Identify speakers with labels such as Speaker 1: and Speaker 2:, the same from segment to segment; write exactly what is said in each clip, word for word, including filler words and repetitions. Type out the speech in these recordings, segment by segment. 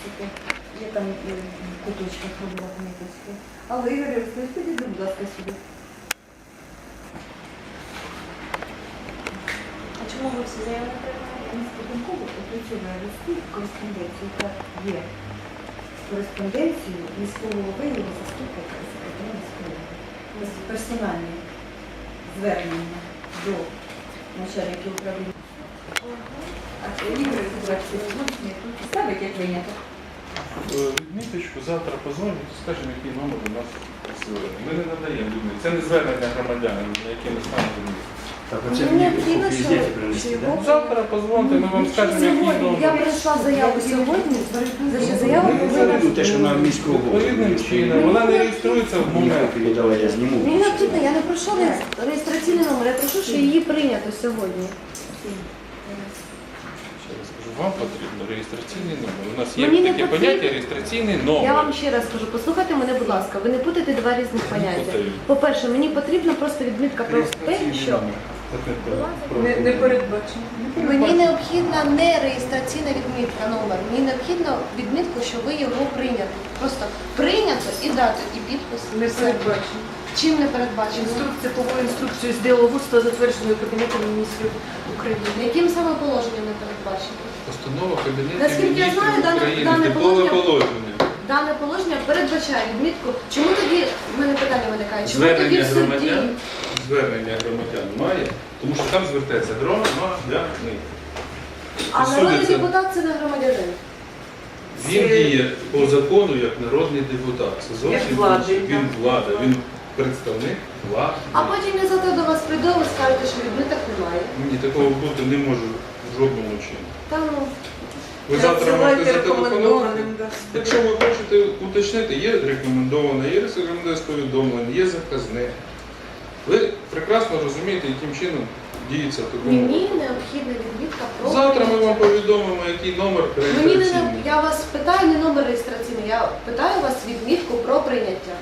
Speaker 1: таке. Є там е, в куточках робила поміточки. Але Ігор Олексійович, підійди, будь ласка, сюди.
Speaker 2: А чому ви всі заяви не приймаєте?
Speaker 1: Міськвиконкому опрацьовує листи кореспонденцію, яка є кореспонденцією міського голови і його заступника і секретаря міської ради. Ось персональні звернення до начальників управління. А Ігор Олексійович, тут ставить, як виняток.
Speaker 3: Відміточку, завтра позвонить і скажемо, який номер у нас звернення. Ми не надаємо людям. Це не звернення громадян, на яке ми станемо.
Speaker 4: Так, оце
Speaker 1: Мені
Speaker 4: мені
Speaker 1: необхідно,
Speaker 4: копії
Speaker 1: що-
Speaker 4: зняти принести,
Speaker 1: що
Speaker 4: да?
Speaker 1: його-
Speaker 3: Завтра позвоните, ми вам скажемо, який
Speaker 1: Сьогодні я
Speaker 3: номер.
Speaker 1: прийшла заяву сьогодні, значить заява
Speaker 4: Ну,
Speaker 1: повинна...
Speaker 4: ну, те, що на міського голову.
Speaker 3: Відповідним чином. Вона не реєструється в
Speaker 4: Мені
Speaker 3: момент.
Speaker 4: копію давай, я зніму.
Speaker 2: Мені необхідно, я не прошу реєс- реєстраційний номер, я прошу, що її прийнято сьогодні.
Speaker 3: Ще раз кажу, вам потрібно реєстраційний номер. У нас є
Speaker 2: Мені не
Speaker 3: таке
Speaker 2: потрібно.
Speaker 3: поняття реєстраційний номер.
Speaker 2: Я вам ще раз кажу, послухайте мене, будь ласка, ви не путайте два різних поняття.
Speaker 3: путаю.
Speaker 2: По-перше, мені потрібно просто відмітка про те, що
Speaker 5: Не, не передбачено.
Speaker 2: мені необхідна не реєстраційна відмітка номер, мені необхідно відмітку, що ви його прийняли. Просто прийнято і дати, і підпис.
Speaker 5: Не
Speaker 2: Все.
Speaker 5: передбачено.
Speaker 2: Чим не передбачено?
Speaker 5: Інструкція повою інструкцію з діловодства, затвердженою Кабінетом міністрів України.
Speaker 2: Яким саме положенням не передбачено?
Speaker 3: Постанова Кабінету
Speaker 2: Наскільки я знаю,
Speaker 3: міністрів
Speaker 2: дане-
Speaker 3: України,
Speaker 2: дане
Speaker 3: типове
Speaker 2: положення-
Speaker 3: положення.
Speaker 2: Дане положення передбачає відмітку. Чому тоді, в мене питання виникає, чому тоді
Speaker 3: Звернення
Speaker 2: в суді?
Speaker 3: громадян, звернення громадян має, тому що там звертається громадяни.
Speaker 2: А народний
Speaker 3: Судиться.
Speaker 2: депутат це не громадянин.
Speaker 3: Він діє по закону як народний депутат. Це зовсім
Speaker 5: Як влади,
Speaker 3: інше. Він
Speaker 5: так.
Speaker 3: влада, він представник влади.
Speaker 2: А потім я завтра до вас прийду, ви скажете, що відміток немає.
Speaker 3: Ні, такого бути не може в жодному чині.
Speaker 2: Та ну,
Speaker 3: Ви завтра можете
Speaker 5: Надсилайте
Speaker 3: зателефонувати.
Speaker 5: рекомендованим, да.
Speaker 3: Якщо ви хочете уточнити, є рекомендоване, є рекомендаційне повідомлення, є заказне. Ви прекрасно розумієте, яким чином діється в такому.
Speaker 2: мені необхідна відмітка про
Speaker 3: Завтра ми вам
Speaker 2: прийняття.
Speaker 3: повідомимо, який номер
Speaker 2: Мені не
Speaker 3: реєстраційний.
Speaker 2: не- я вас питаю не номер реєстраційний, я питаю вас відмітку про прийняття.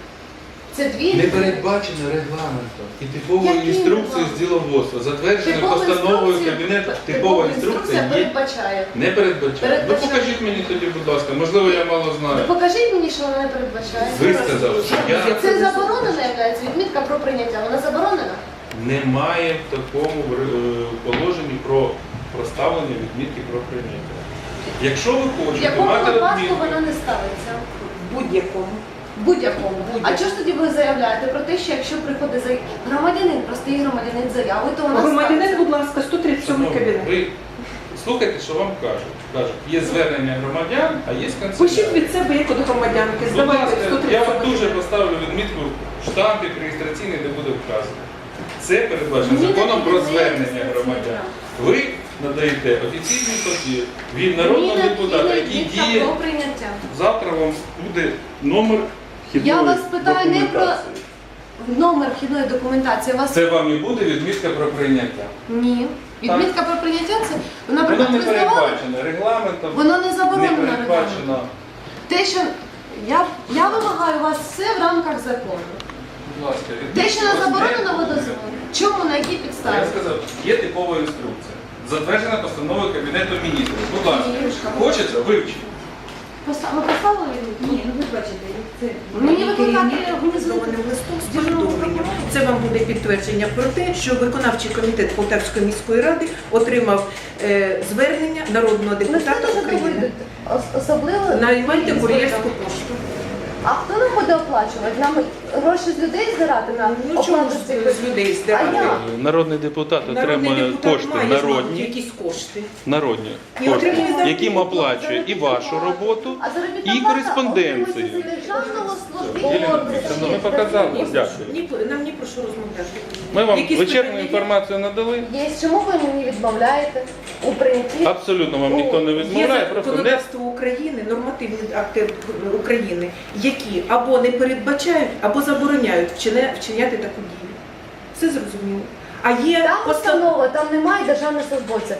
Speaker 2: Це дві
Speaker 3: Не передбачено регламентом і типовою
Speaker 2: Який
Speaker 3: інструкцією з
Speaker 2: регламент?
Speaker 3: діловодства, затвердженою
Speaker 2: Типова
Speaker 3: постановою
Speaker 2: інструкція-
Speaker 3: Кабінету.
Speaker 2: типова
Speaker 3: Типова інструкція є.
Speaker 2: передбачає.
Speaker 3: Не передбачає. Ну
Speaker 2: Передбачає.
Speaker 3: покажіть мені тоді, будь ласка, можливо, я мало
Speaker 2: Ну,
Speaker 3: знаю.
Speaker 2: покажіть мені, що вона не передбачає.
Speaker 3: Ви сказали, що я
Speaker 2: Це заборонена являється відмітка про прийняття. Вона заборонена?
Speaker 3: немає в такому е, положенні про проставлення відмітки про прийняття. Якщо ви
Speaker 2: В
Speaker 3: хочете
Speaker 2: якому
Speaker 3: мати
Speaker 2: випадку
Speaker 3: відмітку,
Speaker 2: вона не ставиться?
Speaker 5: Будь-якому.
Speaker 2: Будь-якому. А чого ж тоді ви заявляєте про те, що якщо приходить за громадянин, простий громадянин заяви, то вона
Speaker 5: Громадянин,
Speaker 2: ставиться?
Speaker 5: будь ласка, сто тридцять сьомий
Speaker 3: шановні,
Speaker 5: кабінет.
Speaker 3: ви слухайте, що вам кажуть. Кажуть, є звернення громадян, а є
Speaker 5: Пишіть
Speaker 3: канцелярія.
Speaker 5: від себе, як до громадянки,
Speaker 3: Будь
Speaker 5: здавайте
Speaker 3: ласка,
Speaker 5: сто
Speaker 3: я
Speaker 5: тридцять
Speaker 3: вам
Speaker 5: сьомий
Speaker 3: дуже
Speaker 5: кабінет.
Speaker 3: поставлю відмітку штампик реєстраційний, де буде вказано. Це передбачено
Speaker 2: Мені
Speaker 3: законом про
Speaker 2: необхідний
Speaker 3: звернення
Speaker 2: реєстраційний
Speaker 3: громадян.
Speaker 2: штамп.
Speaker 3: Ви надаєте офіційний папір від
Speaker 2: Мені
Speaker 3: народного
Speaker 2: необхідна
Speaker 3: депутата, який
Speaker 2: відмітка
Speaker 3: діє.
Speaker 2: про прийняття.
Speaker 3: Завтра вам буде номер вхідної
Speaker 2: Я вас питаю не про
Speaker 3: документації.
Speaker 2: номер вхідної документації. Вас
Speaker 3: Це вам і буде відмітка про прийняття.
Speaker 2: ні. Відмітка про прийняття це,
Speaker 3: Воно
Speaker 2: наприклад,
Speaker 3: не
Speaker 2: ви здавали,
Speaker 3: передбачено регламентом,
Speaker 2: воно не
Speaker 3: не
Speaker 2: заборонено
Speaker 3: передбачено.
Speaker 2: регламентом. Те, що я, я вимагаю у вас все в рамках закону.
Speaker 3: Будь ласка,
Speaker 2: Те, що не
Speaker 3: відмітка
Speaker 2: заборонено, ви
Speaker 3: буде.
Speaker 2: дозволите. Чому, на якій підставі?
Speaker 3: Я сказав, є типова інструкція. Затверджена постановою Кабінету міністрів. Будь ласка,
Speaker 2: Ігорюшка,
Speaker 3: хочеться, вивчіть.
Speaker 2: Поста- Ви поставили відмітку?
Speaker 1: Ні, ну ви бачите, це...
Speaker 2: Мені викликати
Speaker 5: Організованим листом з повідомленням. Це вам буде підтвердження про те, що виконавчий комітет Полтавської міської ради отримав е, звернення народного
Speaker 2: Ми
Speaker 5: депутата
Speaker 2: знаєте, що
Speaker 5: України.
Speaker 2: доводите? Ос- Особливо...
Speaker 5: Наймайте кур'єрську пошту.
Speaker 2: А хто нам буде оплачувати? Нам гроші з людей збирати на
Speaker 5: Ну чому
Speaker 2: оплату
Speaker 5: ж
Speaker 2: цих...
Speaker 5: з людей
Speaker 2: А
Speaker 5: здирати?
Speaker 2: як?
Speaker 3: Народний депутат
Speaker 5: Народний
Speaker 3: отримує
Speaker 5: депутат
Speaker 3: кошти
Speaker 5: має мабуть,
Speaker 3: народні,
Speaker 5: якісь кошти.
Speaker 3: народні
Speaker 5: І
Speaker 3: кошти,
Speaker 5: отримує заробітну
Speaker 3: яким
Speaker 5: плату.
Speaker 3: оплачує і вашу роботу,
Speaker 2: А заробітна
Speaker 3: і
Speaker 2: плата
Speaker 3: кореспонденцію.
Speaker 2: отримується з державного
Speaker 3: Єлена
Speaker 2: службовця.
Speaker 3: Вікторівна, ми показали.
Speaker 5: Ні,
Speaker 3: Дякую.
Speaker 5: ні, нам ні про що розмовляти.
Speaker 3: Ми вам
Speaker 5: Якісь
Speaker 3: вичерпну
Speaker 5: питання є?
Speaker 3: інформацію надали.
Speaker 2: Є, чому ви мені відмовляєте у прийнятті?
Speaker 3: Абсолютно вам ніхто не
Speaker 5: Є
Speaker 3: відмовляє, просто не
Speaker 5: законодавство України, нормативні акти України, які або не передбачають, або забороняють вчиня- вчиняти таку дію. Все зрозуміло. А є
Speaker 2: Там
Speaker 5: постав-
Speaker 2: установа, там немає державного службовця.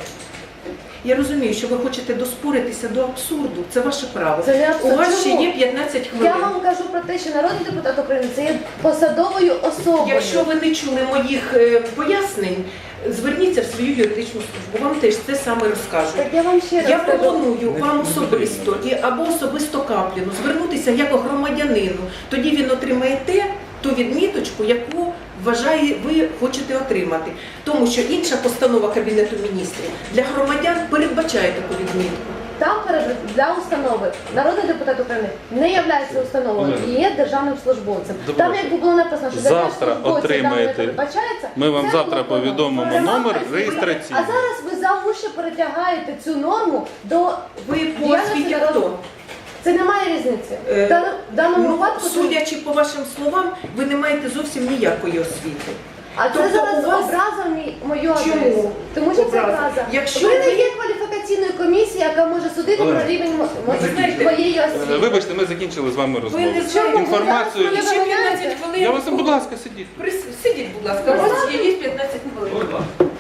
Speaker 5: Я розумію, що ви хочете доспоритися до абсурду. Це ваше право.
Speaker 2: Це не абсурд.
Speaker 5: У вас ще
Speaker 2: Чому?
Speaker 5: є п'ятнадцять хвилин.
Speaker 2: Я вам кажу про те, що народний депутат України це є посадовою особою.
Speaker 5: Якщо ви не чули моїх е, пояснень, зверніться в свою юридичну службу, вам теж це саме розкажуть.
Speaker 2: Так я вам ще раз
Speaker 5: Я
Speaker 2: кажу.
Speaker 5: пропоную вам особисто і або особисто Капліну звернутися як громадянину. Тоді він отримає те, ту відміточку, яку вважає, ви хочете отримати. Тому що інша постанова Кабінету міністрів для громадян передбачає таку відмітку.
Speaker 2: Там перед- для установи народний депутат України не є установою і є державним службовцем.
Speaker 3: Добре.
Speaker 2: Там якби було написано, що
Speaker 3: Завтра
Speaker 2: державним службовцям
Speaker 3: отримаєте.
Speaker 2: там не передбачається,
Speaker 3: Ми вам
Speaker 2: це
Speaker 3: завтра
Speaker 2: було б
Speaker 3: повідомимо
Speaker 2: воно.
Speaker 3: номер
Speaker 2: А
Speaker 3: реєстраційний.
Speaker 2: зараз ви за уші перетягаєте цю норму до
Speaker 5: Ви по
Speaker 2: діяльності
Speaker 5: освіті
Speaker 2: народу.
Speaker 5: хто?
Speaker 2: Це не має різниці.
Speaker 5: Е,
Speaker 2: В даному- в даному
Speaker 5: Ну,
Speaker 2: випадку це-
Speaker 5: судячи по вашим словам, ви не маєте зовсім ніякої освіти.
Speaker 2: А це
Speaker 5: тобто
Speaker 2: зараз
Speaker 5: у вас-
Speaker 2: образа мій- мою
Speaker 5: Чому?
Speaker 2: адресу. Тому що це
Speaker 5: Образа?
Speaker 2: образа.
Speaker 5: Якщо
Speaker 2: ви не
Speaker 5: ви-
Speaker 2: є кваліфікаційною комісією, яка може судити
Speaker 4: Олег,
Speaker 2: про рівень мо- мо-
Speaker 5: знаєте,
Speaker 2: твоєї
Speaker 3: Е,
Speaker 2: освіти.
Speaker 3: Вибачте, ми закінчили з вами
Speaker 5: Ви
Speaker 3: розмову.
Speaker 5: не
Speaker 2: Чому?
Speaker 5: знаєте
Speaker 3: Інформацію.
Speaker 2: Ви
Speaker 5: ще
Speaker 2: зараз мене
Speaker 5: п'ятнадцять
Speaker 2: виганяєте?
Speaker 5: хвилин.
Speaker 3: Я вас, будь ласка, сидіть.
Speaker 5: Прис- Сидіть, будь ласка, у вас є п'ятнадцять хвилин.